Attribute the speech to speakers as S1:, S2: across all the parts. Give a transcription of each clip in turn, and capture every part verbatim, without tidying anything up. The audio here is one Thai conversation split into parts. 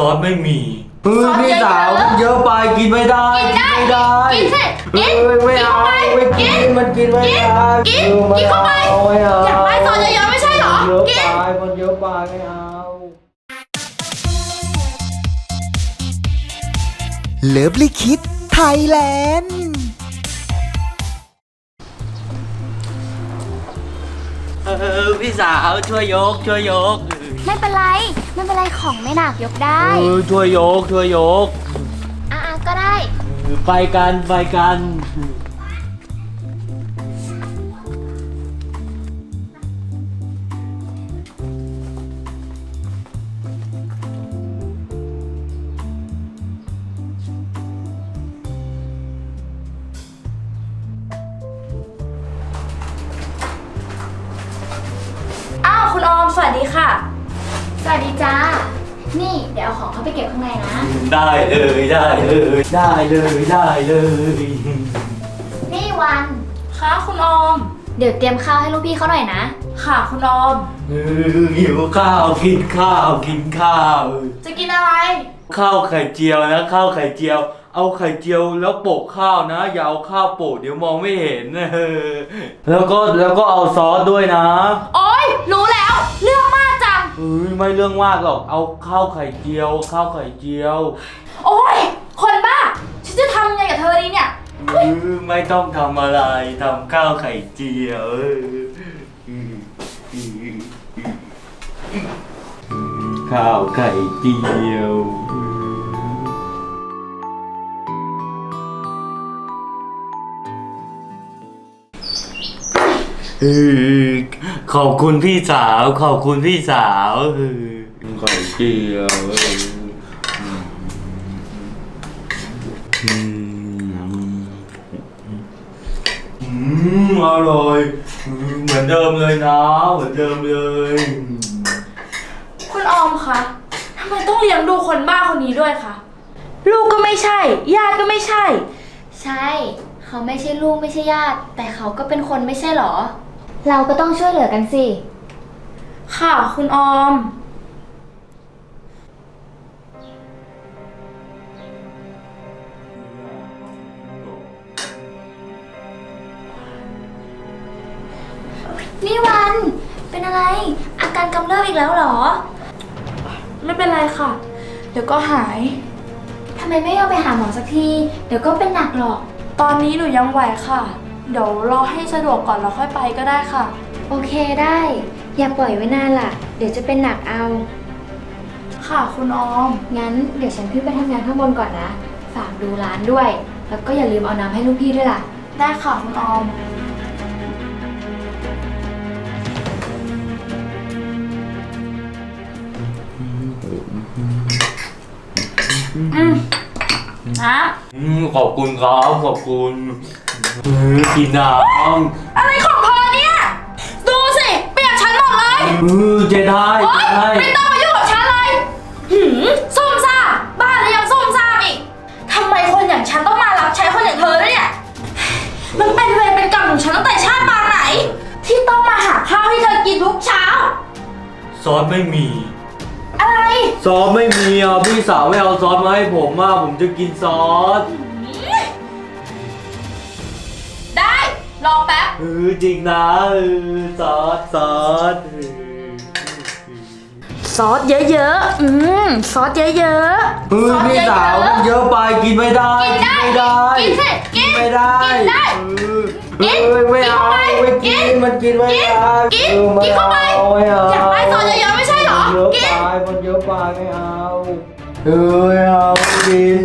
S1: อสไม่มีเออ
S2: ซอส
S1: พี่สาว
S2: เยอะๆ
S1: เยอะไปกินไม่ได้
S2: กินได้
S1: ไม่ได้
S2: กินสิกิน
S1: เออไม่เอา
S2: กินเข้าไป
S1: ไม่กิน
S2: กิน
S1: มันกินไม่ได้
S2: กิน
S1: ออไม่
S2: กินเข้าไป
S1: อไม่เ
S2: อยากได้ซอสเยอะๆไม่ใช่เหรอ
S1: เยอะ
S2: กิน
S1: ไปมันเยอะไปไม่เอา
S3: เลิฟลิคิดไทยแลนด์
S1: เออพี่สาวช่วยยกช่วยยก
S4: ไม่เป็นไรไม่เป็นไรของไม่หนักยกได้
S1: เออช่วยยกช่วยยก
S4: อ่ะๆก็ได้
S1: เออไปกันไปกัน
S2: อ้าวคุณออมสวัสดีค่ะ
S4: สวัสดีจ้า นี่เดี๋ยวเอาของเข้าไปเก็บข้างในนะ
S1: ได้เลยได้เลยได้เลยได้เลย
S4: นี่วัน
S2: ค่ะคุณออม
S4: เดี๋ยวเตรียมข้าวให้ลูกพี่เขาหน่อยนะ
S2: ค่ะคุณออม
S1: เออหิวข้าวกินข้าวกินข้าว
S2: จะกินอะไร
S1: ข้าวไข่เจียวนะข้าวไข่เจียว เอาไข่เจียวแล้วโปะข้าวนะอย่าเอาข้าวโปะเดี๋ยวมองไม่เห็นเออแล้วก็แล้วก็เอาซอสด้วยนะ
S2: โอ๊ยรู้แล้ว เรื่องมากจัง
S1: เอ้ยไม่เรื่องมากหรอกเอาข้าวไข่เจียวข้าวไข่เจียว
S2: โอ๊ยคนบ้าฉันจะทำยังไงกับเธอดีเนี่ย
S1: เออไม่ต้องทำอะไรทำข้าวไข่เจียวเออข้าวไข่เจียวเออขอบคุณพี่สาวขอบคุณพี่สาวเออไข่เจียวเอออืมอืมอร่อยอืมเหมือนเดิมเลยนะเหมือนเดิมเลย
S2: คุณออมคะทำไมต้องเลี้ยงดูคนบ้าคนนี้ด้วยคะลูกก็ไม่ใช่ ญาติก็ไม่ใช่
S4: ใช่ เขาไม่ใช่ลูกไม่ใช่ญาติ แต่เขาก็เป็นคนไม่ใช่หรอ เราก็ต้องช่วยเหลือกันสิ
S2: ค่ะคุณออม
S4: นี่วัน เป็นอะไร อาการกำเริบอีกแล้วเหรอ
S2: ไม่เป็นไรค่ะ เดี๋ยวก็หาย
S4: ทำไมไม่เอาไปหาหมอสักที เดี๋ยวก็เป็นหนักหรอก
S2: ตอนนี้หนูยังไหวค่ะ เดี๋ยวรอให้สะดวกก่อนแล้วค่อยไปก็ได้ค่ะ
S4: โอเคได้ อย่าปล่อยไว้นานล่ะ เดี๋ยวจะเป็นหนักเอา
S2: ค่ะคุณออม
S4: งั้นเดี๋ยวฉันขึ้นไปทำงานข้างบนก่อนนะ ฝากดูร้านด้วย แล้วก็อย่าลืมเอาน้ำให้ลูกพี่ด้วยล่ะ
S2: ได้ค่ะคุณออม อืมนะ
S1: อืมขอบคุณครับขอบคุณเออกินน้ำ
S2: อะไรของเธอเนี่ย ดูสิ เปียกฉันหมดเลย
S1: เออเจได้
S2: โอ๊
S1: เจ
S2: ย
S1: ได้
S2: ไม่ต้องมายุ่งกับฉันเลย หืมซุ่มซ่ามบ้านแล้วยังซุ่มซ่ามอีกทำไมคนอย่างฉันต้องมารับใช้คนอย่างเธอด้วยเนี่ย มันเป็นเวรเป็นกรรมของฉันตั้งแต่ชาติปางไหน ที่ต้องมาหาข้าวให้เธอกินทุกเช้า
S1: ซอสไม่มี
S2: อะไร
S1: ซอสไม่มีอ่ะพี่สาวไม่เอาซอสมาให้ผมอ่ะผมจะกินซอส
S2: ได้ รอแป๊บ
S1: เออจริงนะเออซอสซอสเออ
S2: ซอสเยอะๆ อืม ซอสเยอะ
S1: เออ
S2: ซอส
S1: พี่
S2: เยอะๆ
S1: สาวมันเยอะไปกินไม่ได้
S2: กินได้
S1: ไม่ได้
S2: กินสิกิน
S1: ไม่ได้
S2: กินได้
S1: เออ
S2: กิน
S1: เออไม่เอา
S2: กินเข้าไป
S1: ไม่กิน
S2: กิน
S1: มันกินไม่ได้
S2: กิน
S1: ออไม่
S2: กินเข้าไป
S1: อไม่เอา
S2: อยากได้ซอสเยอะๆไม่ใช่เหรอ
S1: มันเยอะ
S2: กิน
S1: ไปมันเยอะไปไม่เอาเออไม่เอาไม่กิน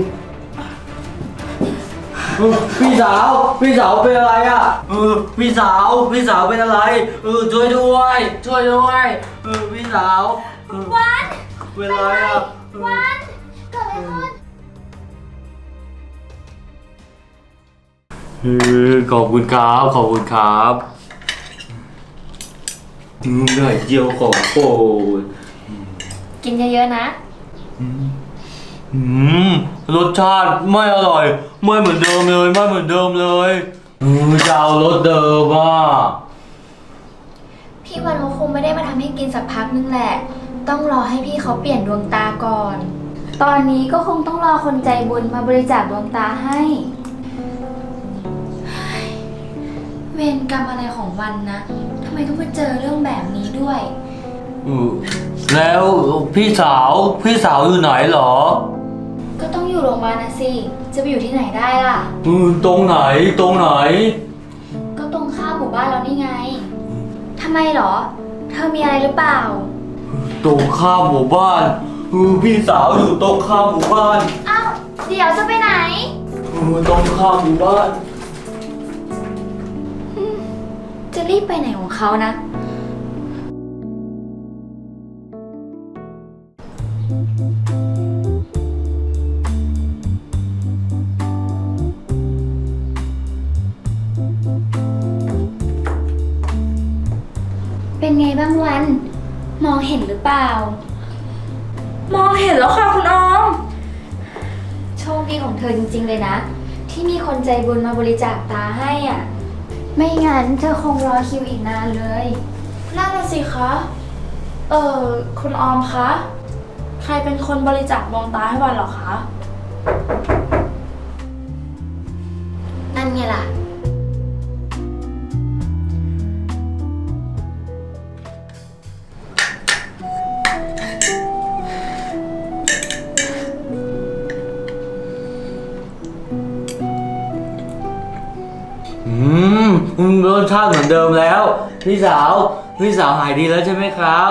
S1: เออพี่สาวพี่สาวเป็นอะไรอ่ะเออพี่สาวพี่สาวเป็นอะไรเออช่วยด้วยช่วยด้วยเออพี่สาวเออ
S4: วัน
S1: เป็นอะไรอ่ะเออ
S4: วันเกิดอะไรขึ้น
S1: เออขอบคุณครับขอบคุณครับอืมไข่เจียวของโปรด
S4: กินเยอะๆนะ
S1: อืมรสชาติไม่อร่อยไม่เหมือนเดิมเลยไม่เหมือนเดิมเลยเออจะเอารสเดิมอ่ะ
S4: พี่วันเขาคงไม่ได้มาทำให้กินสักพักนึงแหละ ต้องรอให้พี่เขาเปลี่ยนดวงตาก่อนตอนนี้ก็คงต้องรอคนใจบุญมาบริจาคดวงตาให้
S2: เวรกรรมอะไรของวันนะทำไมต้องมาเจอเรื่องแบบนี้ด้วย
S1: อืมแล้วพี่สาวพี่สาวอยู่ไหนเหรอ
S4: ก็ต้องอยู่โรงพยาบาลนะสิ จะไปอยู่ที่ไหนได้ล่ะ
S1: อืมตรงไหนตรงไหน
S4: ก็ตรงข้ามหมู่บ้านเรานี่ไง ทำไมเหรอ เธอมีอะไรหรือเปล่า
S1: ตรงข้ามหมู่บ้านอืมพี่สาวอยู่ตรงข้ามหมู่บ้าน
S4: อ้าว เดี๋ยวจะไปไหน
S1: อืมตรงข้ามหมู่บ้าน
S4: จะรีบไปไหนของเขานะ เป็นไงบ้างวัน มองเห็นหรือเปล่า
S2: มองเห็นแล้วค่ะคุณออม
S4: โชคดีของเธอจริงๆเลยนะ ที่มีคนใจบุญมาบริจาคตาให้อ่ะ ไม่งั้นเธอคงรอคิวอีกนานเลย
S2: นั่นน่ะสิคะ เออคุณออมคะ ใครเป็นคนบริจาคดวงตาให้วันเหรอคะ
S4: นั่นไงล่ะ
S1: อืมอืมรสชาติเหมือนเดิมแล้ว พี่สาวพี่สาวหายดีแล้วใช่ไหมครับ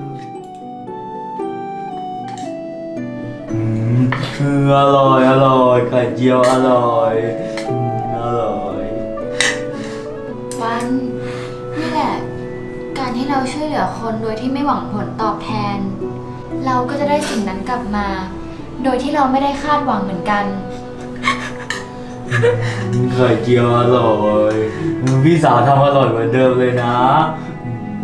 S1: อืมอืมอร่อยอร่อยไข่เจียวอร่อยอืมอร่อย
S4: วันนี่แหละ การที่เราช่วยเหลือคนโดยที่ไม่หวังผลตอบแทน เราก็จะได้สิ่งนั้นกลับมา โดยที่เราไม่ได้คาดหวังเหมือนกัน
S1: ไข่เจียวอร่อยอืมพี่สาวทำอร่อยเหมือนเดิมเลยนะอืม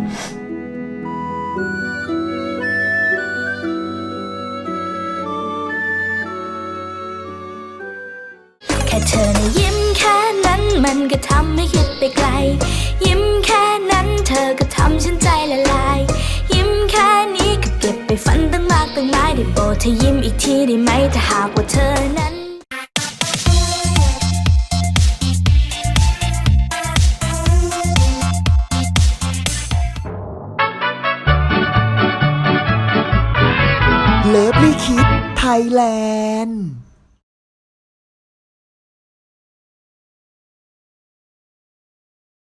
S5: แค่เธอนะยิ้มแค่นั้นมันก็ทำให้คิดไปไกล ยิ้มแค่นั้นเธอก็ทำฉันใจละลาย ยิ้มแค่นี้ก็เก็บไปฝันตั้งมากตั้งหลายได้โปรดเธอยิ้มอีกทีได้ไหมถ้าหากว่าเธอนั้น
S3: เลิฟลี่คิดไทยแลนด์